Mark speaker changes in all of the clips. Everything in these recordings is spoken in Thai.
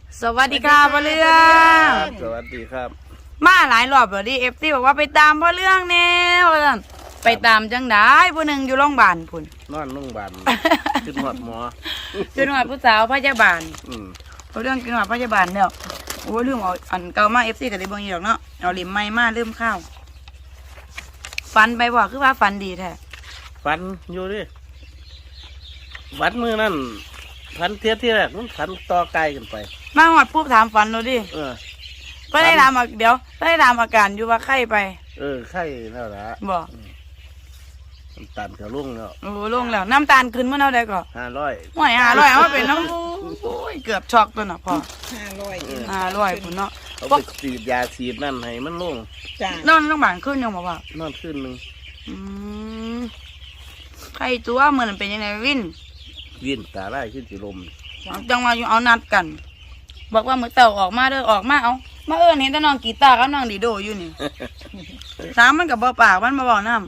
Speaker 1: สวัสดีค่ะพ่อเรื่อง
Speaker 2: สวัสดีครับ
Speaker 1: มาหลายรอบแล้วดิFCบอกว่าไปตามพ่อเรื่องแน่ว่าซั่นไปตามจังได้ผู้หนึ่งอยู่โรงพยาบาลพุ่น
Speaker 2: นอนโรงพยาบาล ขึ้นหอดหมอ
Speaker 1: คือหน่วยผู้สาวพยาบาล
Speaker 2: อืม
Speaker 1: พ่อเรื่องกินหน่วยพยาบาลเนี่ยโอ้ลืมเอาอันเก่ามา FC ก็ได้เบิ่งอยู่ดอกเนาะเอาลิมใหม่มาลืมข้าวฝันไปบ่คือว่าฝันดีแท้
Speaker 2: ฟันอยู่ดิวัดมือนั่นฟันเทียที่แรกมันฟันต่อไกลกันไป
Speaker 1: มาฮอดปุ๊บถามฝันเราดิ
Speaker 2: เออ
Speaker 1: ก็ได้ถามเดี๋ยวได้ถามอาการอยู่ว่าไข้ไป
Speaker 2: ไข่แล้วละ
Speaker 1: บ่
Speaker 2: น้ำตาลกระลุ่งแล้ว
Speaker 1: โอ้ลงแล้วน้ำตาลขึ้นเมื่อเท่าใดก็
Speaker 2: 500
Speaker 1: ห่วย500เอามาเป็นน้ำโอ้ยเกือบช็อกตัวน่ะพ่อ 500พุ่นเนาะ
Speaker 2: เอาไปฉีดยาฉีดนั่นให้มันลง
Speaker 3: จ้าน
Speaker 1: อนโรงพยาบาลขึ้นยังบอกว่าน
Speaker 2: อนขึ้นหนึ่ง
Speaker 1: อืมไข้ตัวเหมือนเป็นยังไงวิน
Speaker 2: วิ่นตาไล่ขึ้นสิลม
Speaker 1: จังว่าอยู่เอานัดกัน บอกว่ามื้อเต่าออกมาเด้อออกมาเอามาเอิ้นเห็นแต่น้องกีตาร์กับน้องดีโดอยู่นี่ ถามมันก็บ่ปากมันบ่เว้านำ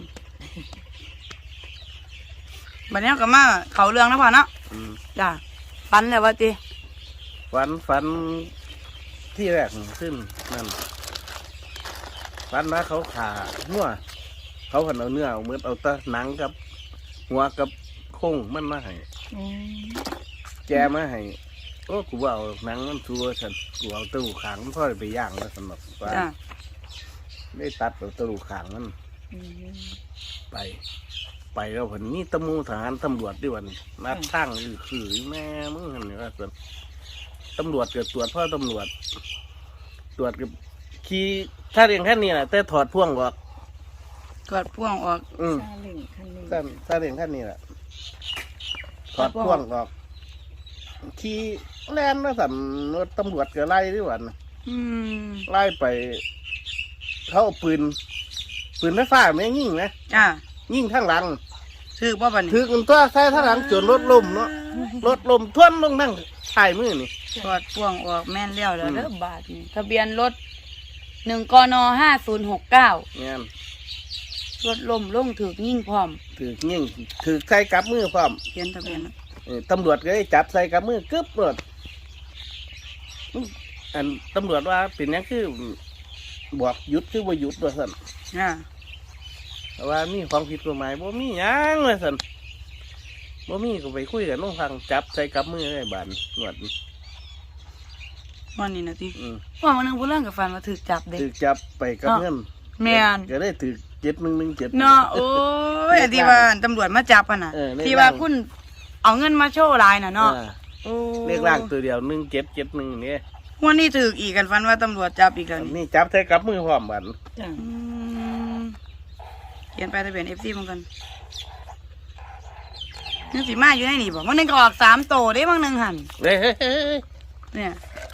Speaker 1: บัดนี้ก็มาเข้าเรื่องแล้วพ่อเนาะ
Speaker 2: อืม
Speaker 1: จ้ะฝันแล้วว่าติ
Speaker 2: ฟันที่แรกขึ้นนั่นฟันนะเขาขาหัวเขาหันเอาเนื้อเอาเมือเอาแตะหนังกับหัวกับโค้งมันมาให้ แกมาให้โอ้กูว่าเอาหนังมันชัวฉันกูเอาตะลุขางมันพ่อไปย่างแล้วสำหรับว่า
Speaker 1: จ้ะ
Speaker 2: ได้ตัดเอาตะลุขางมันไป ไปแล้วผลนี่ตำมูทหารตำรวจด้วยวันนัดทั้งคือแม่มึงเห็นไหมว่าส่วนตำรวจเกิดตรวจพ่อตำรวจ ตรวจกับขี่ถ้าเรียงแค่นี้แหละแต่ถอดพ่วงออก
Speaker 1: กอดพ่วงออก
Speaker 2: อืม
Speaker 3: ซาเล้งคันนี้
Speaker 2: ถ้าเรียงแค่นี้แหละถอดพ่วงออกขี่แล่นแล้วสั่นรถตำรวจก็ไล่ด้วยวัน
Speaker 1: อืม
Speaker 2: ไล่ไป เขาเอาปืนไฟฟ้าไม่ยิงนะ
Speaker 1: จ้ะ
Speaker 2: ยิงข้างหลัง
Speaker 1: ถือบ่บัดนี้
Speaker 2: ถือกันตัวใส่ข้างหลังจนรถล้มเนาะรถล้มท่วนลงนั่งถ่ายมือนี่
Speaker 1: กอดพ่วงออกแม่นแล้วเด้ออบาทนี่ทะเบียนรถ1กน5069
Speaker 2: เนี่ย
Speaker 1: รถล้มลงถูกยิงพร้อม
Speaker 2: ถือยิงถือใส่กับมือพร้อม
Speaker 1: เขียนทะเบียนนะ
Speaker 2: ตำรวจก็ได้จับใส่กับมือกึบรถอันตำรวจว่าเป็นหยังคือบอกหยุดคือว่าหยุดว่าสัน
Speaker 1: อ่า
Speaker 2: แต่ว่ามีของผิดกฎหมายบ่มีหยังว่าสันบ่มีก็ไปคุยกันน้องฟังจับใส่กับมือได้บานหนวด
Speaker 1: วันนี้นะที
Speaker 2: อืม
Speaker 1: ว่าวันหนึงผู้เรื่องกับฟันมาถือจับเด็ก
Speaker 2: ถือจับไปกับเงิน
Speaker 1: แม่น
Speaker 2: ก็ได้ถือ7117
Speaker 1: เนาะโอ้ยอันที่ว่าตำรวจมาจับอ่ะน่ะ
Speaker 2: เลข
Speaker 1: ที่ว่า
Speaker 2: ล่าง
Speaker 1: คุณเอาเงินมาโชว์ลายน่ะเนาะ
Speaker 2: อ่า
Speaker 1: โอ้
Speaker 2: เลขล่างตัวเดียว1771นี่
Speaker 1: วันนี้ถืออีกกันฟันว่าตำรวจจับอีกแล้วนี่
Speaker 2: นี่จับใส่กับมือพร้อมบัน
Speaker 3: จ้า
Speaker 1: อืมเขียนไปทะเบียน FC เหมือนกันนึกสิมาอยู่ในนี่บอกวันหนึงก็ออก3โตได้บางหนึงหั่น
Speaker 2: เฮ้ย
Speaker 1: เนี่ย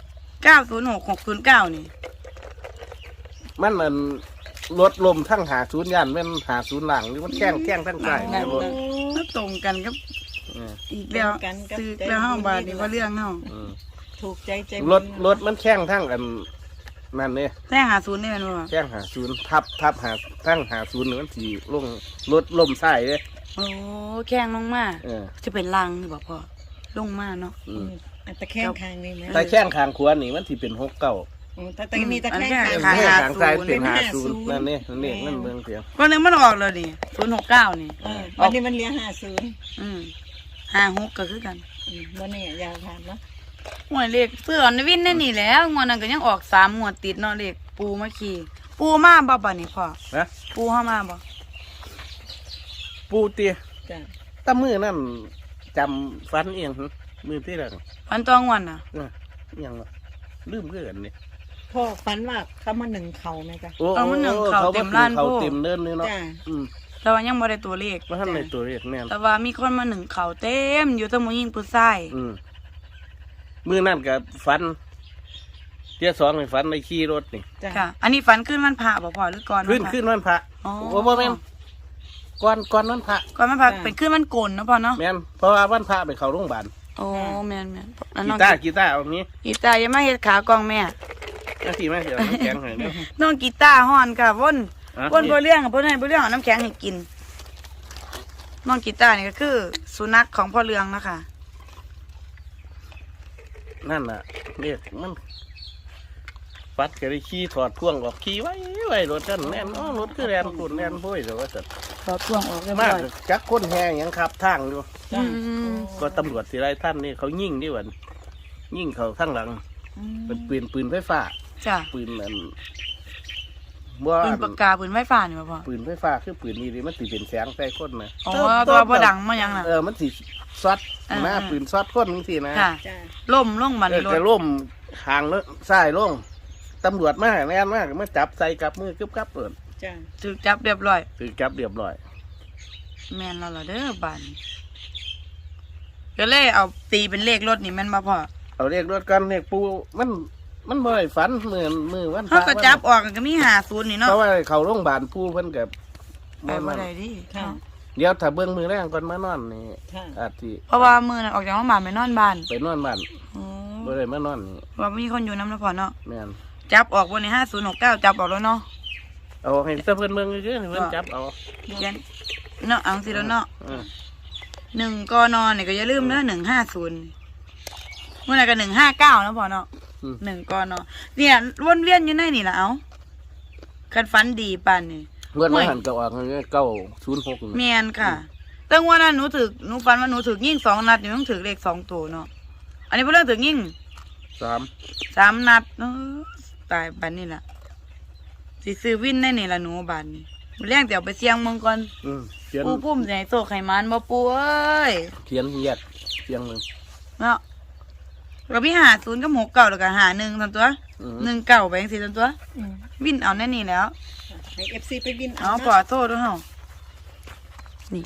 Speaker 1: 906609นี่
Speaker 2: มันมันรถลมทั้ง50ยันแม่น50หลังหรือมันแข้งทั้งใต้
Speaker 1: นั่
Speaker 2: แม่
Speaker 1: น
Speaker 2: บ่
Speaker 1: ๆตรงกันกับ
Speaker 2: เออ
Speaker 1: อีกแล้วซื้อแล้วห้าบาทนี่ว่าเรื่องเนาะ
Speaker 2: อืม
Speaker 3: ถูกใจใจ
Speaker 2: รถมันแข้งทั้งกันนั่นเนี่ย
Speaker 1: แต่50นี่แม่นบ่
Speaker 2: แข้ง50ทับหาทั้ง50นี่มันสิลงรถลมใส่เด้
Speaker 1: โอ้แข้งลงมา
Speaker 2: เออ
Speaker 1: จะเป็นรังนี่บ่พ่อลงมาเนาะ
Speaker 2: อืม
Speaker 3: ตะแคงคางนี่ไหม
Speaker 2: แต่แข้งข้างขวานี่มันสิเป็น69
Speaker 3: แต่มีตะแคง
Speaker 2: ข้า
Speaker 3: คาง ง
Speaker 2: ข้างซ้ายเป็น50นั่นนี่นั่นเบิ่งเสียง
Speaker 1: วันหนึงมันออกเลยนี่069นี่
Speaker 3: วันนี้มันเลี้ย50
Speaker 1: อืม56ก็คือกัน
Speaker 3: วันนี้ยาวผ่านเนาะ
Speaker 1: หวยเลขเสื้อในวินนี่แล้วงวดนั้นก็ยังออก3งวดติดเนาะเลขปูมาขี่ปูมาบ่บัดนี้พ่อ
Speaker 2: นะ
Speaker 1: ปูเฮามาบ่
Speaker 2: ปูเตีย
Speaker 3: จ้า
Speaker 2: ตามือนั่นจำฟันเอียงหึมือที่แรก
Speaker 1: วันตองวันน่ะ
Speaker 2: เอียงวะลืมเกินนี่
Speaker 3: พ่อฝันว่าเขามาหนึ่งเขาไหมจ๊ะ
Speaker 2: โอ้เขาเต็มเดินเลยเนาะ
Speaker 3: จ้า
Speaker 1: แต่ว่ายังบ่ได้ตัวเลข
Speaker 2: ว่าท่านในตัวเรียกแน่น
Speaker 1: แต่ว่ามีคนมาหนึ่งเขาเต็มอยู่ทั้งผู้หญิงผู้ชาย
Speaker 2: มือนั่นกับฟันเที่ยสองในฟันในขี่รถนี่
Speaker 3: จ้า
Speaker 1: ค่ะ อันนี้ฝันขึ้นวันพระบ่พ่อหรือก่อน
Speaker 2: ขึ้นวันพระ
Speaker 1: อ๋อ
Speaker 2: โอ้บ่แม่นก่อนวันพระ
Speaker 1: ก่อนวันพระเป็นขึ้นวันโกนเนาะพ่อเนาะ
Speaker 2: แม่นเพราะว่าวันพระไปเข้าโรงพยาบาล
Speaker 1: โอ้แม่นแล้ว
Speaker 2: กี
Speaker 1: น้อง
Speaker 2: ตาร์เอานี้
Speaker 1: กีตาร์ยังมาเฮ็ดขากองแม่
Speaker 2: นาทีมาเดี๋ยวน้ำแข็งให้เนาะ
Speaker 1: น้องกีตาร์ฮ้อนค่ะว่น
Speaker 2: อ่ะ
Speaker 1: ว่นบ่เรื่องค่ะเพิ่นให้บ่เรื่องเอาน้ำแข็งให้กินน้องกีตาร์นี่ก็คือสุนัขของพ่อเรืองนะคะ
Speaker 2: นั่นน่ะเรียกมันฟัดก็ได้ขี่ถอดพ่วงออกขี่ไว้รถกันแน่นอ๋อรถคือแลนปุ่นแลนพุ่ยเดี๋ยวว่าจะ
Speaker 1: ขอพ่วงออกเรียบ
Speaker 2: มา
Speaker 1: ร้
Speaker 2: ก
Speaker 1: อย
Speaker 2: จักคนแห่ยังขับทางอยู่
Speaker 3: จ้ะ
Speaker 2: ก็ตำรวจสิไรท่านนี่เขายิงดิวันยิงเขาข้างหลังเป็นปืนไฟฟ้า
Speaker 1: จ้ะ
Speaker 2: ปืนอันบ่
Speaker 1: ปืนปากกาปืนไฟฟ้านี่บ่พ่อ
Speaker 2: ปืนไฟฟ้าคือปืนนี่ดิมันสิเป็นแสงใส่คนนะ
Speaker 1: อ๋อตัวบ่ดังมาหยังน่ะ
Speaker 2: มันสิซัด
Speaker 1: อ่า
Speaker 2: หน้าปืนซัดคนจังซี่นะ
Speaker 1: ค่ะ
Speaker 3: จ้ะ
Speaker 1: ล่มลงบัด
Speaker 2: เอ
Speaker 1: นี้
Speaker 2: อ
Speaker 1: รถ
Speaker 2: จะล่มหางแล้วซ้ายลงตำรวจมาแน่นมากมาจับใส่กับมือกึบกับเปิด
Speaker 3: จ้ะ
Speaker 1: ถูกจับเรียบร้อย
Speaker 2: คือจับเรียบร้อย
Speaker 1: แม่นแล้วล่ะเด้อบัดนี้ก็เลยเอาตีเป็นเลขรถนี่แม่นบ่พ่อ
Speaker 2: เอาเรียกรถกันเรียกปูมันบ่ได้ฝันมือวันพ
Speaker 1: เขา
Speaker 2: ระ
Speaker 1: ก็จับออกก็มี50นี่เนาะ
Speaker 2: เพราะว่าเขาโรงพยาบาลปูเพิ่นกับ
Speaker 1: ไปบ่ได้ดิ
Speaker 3: ค่ะ
Speaker 2: เดี๋ยวถ้าเบิ่งมือแรงก่อนมานอนนี่
Speaker 3: ค่ะ
Speaker 2: อาจสิ
Speaker 1: เพราะว่ามื้อนั้นออกจากโรงพยาบาลไปนอนบ้าน
Speaker 2: ไปนอนบ้าน
Speaker 1: อ๋อ
Speaker 2: บ่ได้มานอนนี่
Speaker 1: ว่ามีคนอยู่นำนะพ่อเนาะ
Speaker 2: แม่น
Speaker 1: จับออกบนนี้5069จับออกแล้วเนาะ
Speaker 2: เอาให้เพิ่นเบิ่งซื่อๆให้เพิ่นจับเอา
Speaker 1: เขียนเนาะเอาสิแล้วเนาะ
Speaker 2: เออ
Speaker 1: 1กนนี่ก็อย่าลืมเด้อ150มื้อนั้นก็159นะพ่อเนาะ1กนเนี่ยวนเวียนอยู่ในนี่ล่ะเอาคันฝันดีปานนี่
Speaker 2: เงินมาหันก็ออก906นี่
Speaker 1: แม่นค่ะแต่ว่านั้นหนูฝันว่าหนูถูกยิง2นัดนี่ต้องถูกเลข2ตัวเนาะอันนี้เพิ่นเรื่องถูกยิง
Speaker 2: 3
Speaker 1: 3นัดตายบัดนี้ล่ะสิซื้อวินได้นี่ล่ะหนูบัดนี้มื้อแรงสิเอาไปเสี่ยงเมืองก่อน
Speaker 2: เขียน
Speaker 1: ปูพุ่มสิให้โซกให้มันบ่ปูเอ้ย
Speaker 2: เขียนแยกเสียงหนึง
Speaker 1: เนาะก็มี50กับ69แล้วก็51ซั่นตัว19ไปจังซี่ซั่นตัว
Speaker 3: อืม
Speaker 1: วินเอาแน่นี่แล้ว
Speaker 3: ให้ FC ไปบิน
Speaker 1: เอาขอโทษด้วยเฮานี่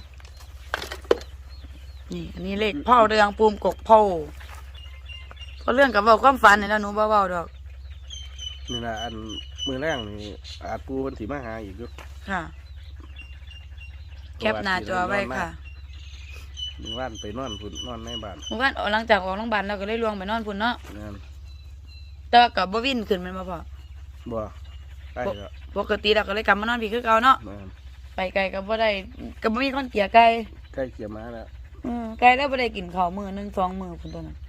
Speaker 1: นี่ อันนี้เลขพ่อเรืองปูมกกพ่อเพราะเรื่องกับเว้าความฝันนี่แล้วหนูบ่เว้าดอก
Speaker 2: นี่ล่ะอันมือแรงนี่อาจปูเพิ่นสิมาหาอีกอยู่
Speaker 1: ค่ะ แคปหน้าจอไว้ค่ะ
Speaker 2: มีว่านไปนอนพุ่นนอนในบ้าน
Speaker 1: เมื่อวานหลังจากออกโรงพยาบาลเราก็เลยลวงไปนอนพุ่นเนาะ
Speaker 2: นั่น
Speaker 1: แต่ว่ากับบ่วินขึ้นแมันบ่พอ
Speaker 2: บ่ได้แล้ว
Speaker 1: ปกติเราก็เลยกลับมานอนพี่คือเก่าเนาะ
Speaker 2: นั่น
Speaker 1: ไปไกลก็บ่ได้ก็บ่มีคนเกลียไกล
Speaker 2: ใกล้เกี่ยมาแล้ว
Speaker 1: ไกลแล้วบ่ได้กินข้าวมื้อนึง2มื้อพุ่นตัวนั้น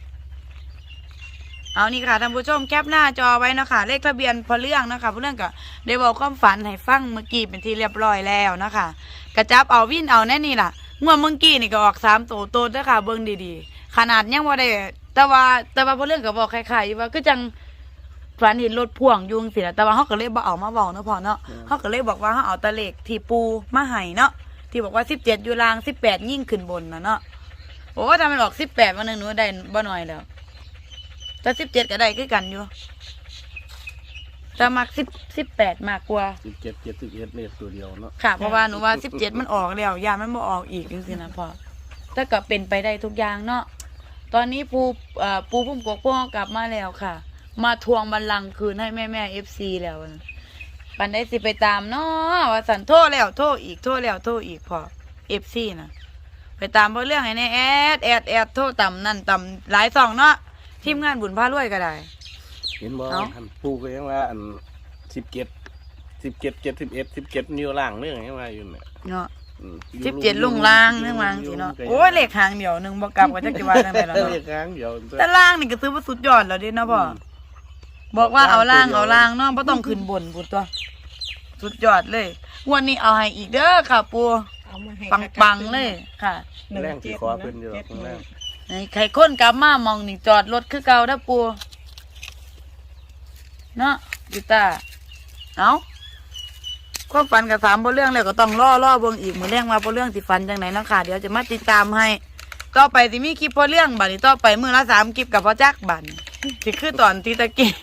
Speaker 1: เอานี่ค่ะท่านผู้ชมแคปหน้าจอไว้เนาะค่ะเลขทะเบียนพอเรื่องนะคะพอเรื่องก็ได้บอกความฝันให้ฟังเมื่อกี้เป็นที่เรียบร้อยแล้วนะคะกระจับเอาวินเอาแน่นี่ล่ะงวดเมื่อกี้นี่ก็ออก3โตโตเด้อค่ะเบิ่งดีๆขนาดยังบ่ได้แต่ว่าพอเรื่องก็บอกคล้ายๆอยู่ว่าคือจังฝันเห็นรถพ่วงอยู่จังซี่ล่ะแต่ว่าเฮาก็เลยบ่เอามาเว้าเนาะพ่อเนาะเฮาก็เลยบอกว่าเฮาเอาแตะเลขที่ปูมาให้เนาะที่บอกว่า17อยู่ล่าง18ยิ่งขึ้นบนน่ะเนาะโอ้ถ้ามันออก18วันนึงหนูได้บ่น้อยแล้วแต่17ก็ได้คือกันอยู่แต่มัก18มากกว่า
Speaker 2: 17 71เลขตัวเดียวเนาะ
Speaker 1: ค่ะ เพราะว่าหนูว่า17มันออกแล้วยามันบ่ออกอีกจังซี่นะพ่อแต่ก็เป็นไปได้ทุกอย่างเนาะตอนนี้ปูพุ่มกกพ่อกลับมาแล้วค่ะ มาทวงบัลลังก์คืนให้แม่ FC แล้วนะปันได้สิไปตามเนาะว่าสันโทษแล้วโทษอีกโทษแล้วโทษอีกพอ FC นะไปตามเพราะเรื่องไอ้นี่แอดโทษต่ำนั่นต่ำหลายสองเนาะทีมงานบุญพารวยก็ได้
Speaker 2: เห็นบ่
Speaker 1: เอ้า
Speaker 2: ท่านปู่ก็ยังว่าอัน17นิ้วล่างเรื่องยังว่าอยู่เนี่ย
Speaker 1: เนาะ
Speaker 2: อยู่
Speaker 1: 17ลุงล่างนึงวางสิเนาะโอ้ยเลขหางเดียวนึงบ่กลับก็จักสิว่าจังไดแล้ว
Speaker 2: เล
Speaker 1: เนาะ
Speaker 2: ขค้างเดียว
Speaker 1: แต่ล่างนี่ก็ถือว่าสุดยอดแล้วเด้เนาะพ่อบอกว่าเอาล่างเนาะบ่ต้องขึ้นบนพุ่นตัว สุดยอดเลยงวันนี้เอาให้อีกเด้อค่ะปู่
Speaker 3: เอามาให้
Speaker 1: ปังๆเลยค่ะ
Speaker 2: แรงสิขอเพิ่นอยู่หรอกแรง
Speaker 1: ให้ใครคนกลับมามองนี่จอดรถคือเก่าเด้อปู่เนาะกีตาร์เอาความฝันกับ3บ่เรื่องแล้วก็ต้องรอเบิ่งอีกมื้อแรงว่าบ่เรื่องสิฝันจังไหนเนาะค่ะเดี๋ยวจะมาติดตามให้ต่อไปสิมีคลิปบ่เรื่องบัดนี้ต่อไปมื้อละ3คลิปกับพ่อจักบัดนี้สิคือตอนที่ตะกี้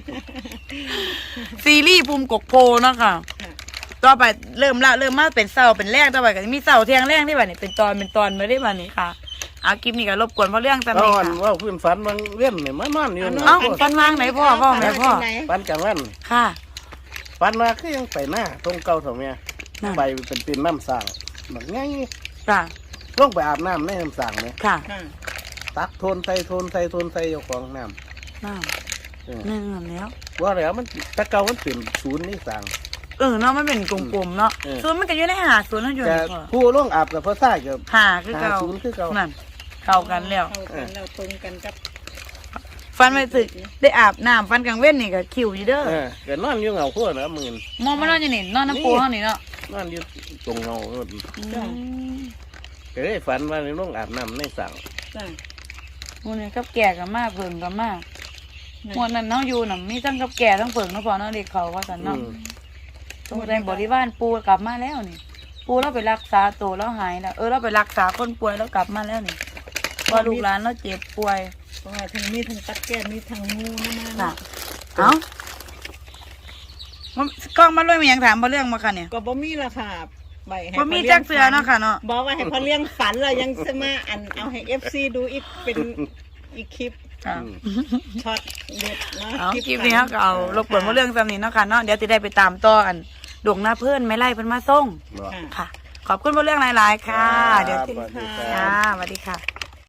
Speaker 1: ซีรีส์ภูมิกกโพเนาะค่ะต่อไปเริ่มมาเป็นเสาเป็นแรกต่อไปก็จะมีเสาเที่ยงแรกที่บัดนี้เป็นตอนมาได้บัดนี้ค่ะเอาคลิปนี้ก็รบกวนเพราะเรื่องจำ
Speaker 2: ต
Speaker 1: เป็น
Speaker 2: อน
Speaker 1: ค่ะ
Speaker 2: ว่าเพิ่นฝันบางเว้นนี่มานอนอยู่
Speaker 1: เอ้าฟันวางไหนพ่อแม่พ่อ
Speaker 2: ฝันกลางวัน
Speaker 1: ค่ะ
Speaker 2: ฝันว่าคือยังไปหน้าตรงเก่าเท่าแม่
Speaker 1: นั่น
Speaker 2: ไปเป็นน้ำสร้างแบบง่าย
Speaker 1: ค่ะ
Speaker 2: ลงไปอาบน้ำในน้ำสร้างเนี่ย
Speaker 1: ค่ะ
Speaker 3: ค่ะ
Speaker 2: ตักโทนใส่เจ้าของน้
Speaker 1: น้า
Speaker 2: ำเออ
Speaker 1: หนึ่งแล้ว
Speaker 2: ว่าแล้วมันแตะเก่ามันเป็นศูนย์นี่สร้าง
Speaker 1: เนาะมันเป็นกลมๆเนาะ
Speaker 2: เออ
Speaker 1: ส่วนมันก็อยู่ในหาส่วนนั่นอยู่
Speaker 2: แต่
Speaker 1: ในพ่อ
Speaker 2: ผู้ลงอาบกับพ่อซ่ากับ
Speaker 1: หาคือเก่า
Speaker 2: ศูนย์คือเก่า
Speaker 1: นั่นเข้ากันแล้ว
Speaker 3: เข้ากันเราตรงกันกับ
Speaker 1: ฟันไปสึกได้อาบน้ำฟันกลางเว้นนี่ก็คิวอยู่เด้อ
Speaker 2: ก็นอนอยู่เหงาขั้วนะมื่น
Speaker 1: มองมานอนอยู่นี่นอนน้ำปูเฮานี่เนาะ
Speaker 2: นอนอยู่ตรงเงา
Speaker 3: จ้ะ
Speaker 2: ก็ได้ฝันว่าในน้องอาบน้ำในสั่ง
Speaker 3: จ้ะ
Speaker 1: หมู่นี่กับแก่ก็มาเพิ่งก็มาหมวดนั้นเฮาอยู่น่ะมีทั้งกับแก่ทั้งเพิ่งเนาะพอเนาะเด็กเขาว่าซั่นเนาะตรงในบริวารปูกลับมาแล้วนี่ ปูเราไปรักษาตัวแล้วหายแล้วเราไปรักษาคนป่วยแล้วกลับมาแล้วนี่พอลูกหลานเราเจ็บป่วย
Speaker 3: เพราะว่าทั้งมีทั้งตักแก้มีทั้งงูนะมา
Speaker 1: ค่ะ
Speaker 3: เนาะ
Speaker 1: กล้องมาด้วยมีหยังถามมาเรื่องมาค่ะเนี่ย
Speaker 3: ก็บ่มีละค่ะใบให้
Speaker 1: บ่มีจักเสือเนาะค่ะเนาะ
Speaker 3: บอกว่าให้พอเลี้ยงฝันแล้วยังจะมาเอาให้ FC ดูอีกเป็นอีกคลิป
Speaker 1: ค่ะ
Speaker 3: ช็อตเด็ดเนาะ
Speaker 1: เอาคลิปนี้เขาก็เอารบกวนมาเรื่องซ้ำนี้เนาะค่ะเนาะเดี๋ยวจะได้ไปตามต่ออันดวงหน้าเพื่อนไม่ไล่เพิ่นมาส่ง
Speaker 3: ค่ะ
Speaker 1: ค่ะ ขอบคุณมาเรื่องหลายๆค่ะ เดี๋ยว
Speaker 2: สวัสดีค
Speaker 1: จ้า
Speaker 2: รับ
Speaker 1: สวัสดีค่ะ